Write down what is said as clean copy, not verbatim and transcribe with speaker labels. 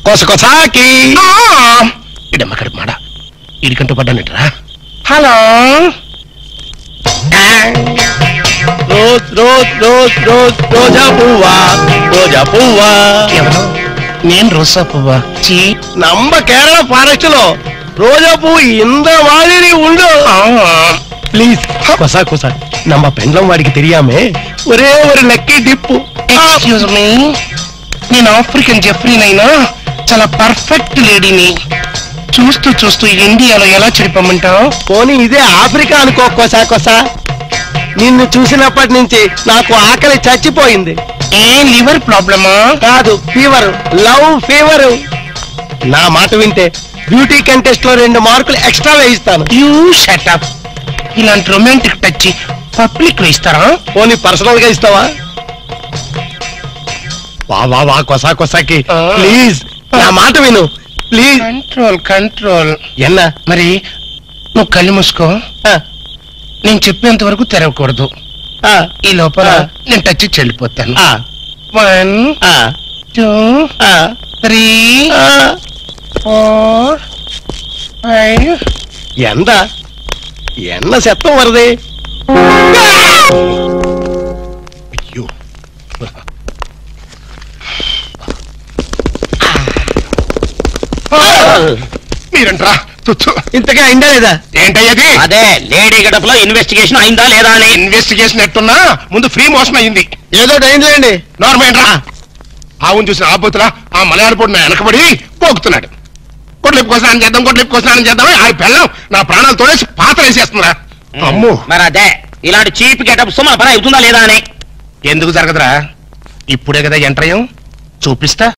Speaker 1: కొసకొసాకి ఇడమ్మకడి మాడ ఇడికంటూ పడ్డానట్రా. Hello rose rose rose rose రోజా పువ్వా రోజా పువ్వా. ఎవరు? నేను రోజా పువ్వా. நம்ம కేరళ ఫారెస్ట్ లో రోజా పువ్వు ఇంత மாதிரி ఉండు. ప్లీజ్ కొసా కొసా நம்ம பெண்லம் వాడికి தெரியாமே ఒరే ஒரு లక్కీ డిప్పు. ఎక్స్క్యూజ్ మీ, నేను ఆఫ్రికన్ జెఫ్రీనైనా చాలా పర్ఫెక్ట్ లేడీని. చూస్తూ చూస్తూ ఇండియాలో ఎలా చెడిపోమంటావు? పోనీ ఇదే ఆఫ్రికా అనుకో కొసా కొసా. నిన్ను చూసినప్పటి నుంచి నాకు ఆకలి చచ్చిపోయింది. ఏ లివర్ ప్రాబ్లమా? కాదు, ఫీవర్, లవ్ ఫీవర్. నా మాట వింటే బ్యూటీ కంటెస్ట్ లో 2 మార్కులు ఎక్స్ట్రా వేయిస్తాను. You shut up. ఇలాంటి రొమాంటిక్ టచ్ పబ్లిక్ లో ఇస్తారా? పోనీ పర్సనల్ గా ఇస్తావా? వా వా వా కొసా కొసాకి ప్లీజ్ నా మాట విను ప్లీజ్. Control control. ఎన్నా మరి నువ్వు కళ్ళు మూసుకో. నేను చెప్పేంత వరకు తెరవకూడదు. ఈ లోపల నేను టచ్ చెల్లిపోతాను. 1 2 3 4 5. ఎంత ఎన్న శతం వరది. అయ్యో మీరంట్రా ఇంతగా అయిందా లేదా? ఏంటయ్యది? అదే లేడీ గడపలో ఇన్వెస్టిగేషన్ అయిందా లేదా అని. ఇన్వెస్టిగేషన్ ఎట్టున్నా ముందు ఫ్రీ మోషన్ అయింది. ఏదో అయిందిలేండి. నార్మల్ రా. ఆవును చూసిన ఆపోతులా ఆ మలయాళపూడి నా వెనకబడి పోగుతున్నాడు. కొట్లిప్పు కోసం చేద్దాం, కొట్లిప్పు కోసం చేద్దాం. ఆ పిల్లం నా ప్రాణాలతోనే పాత్ర వేసేస్తుందా. అమ్మో, మరి అదే ఇలాంటి చీప్ గెటప్స్ మన పని అవుతుందా లేదా అని. ఎందుకు జరగదురా? ఇప్పుడే కదా ఎంటర్ అయ్యాం, చూపిస్తా.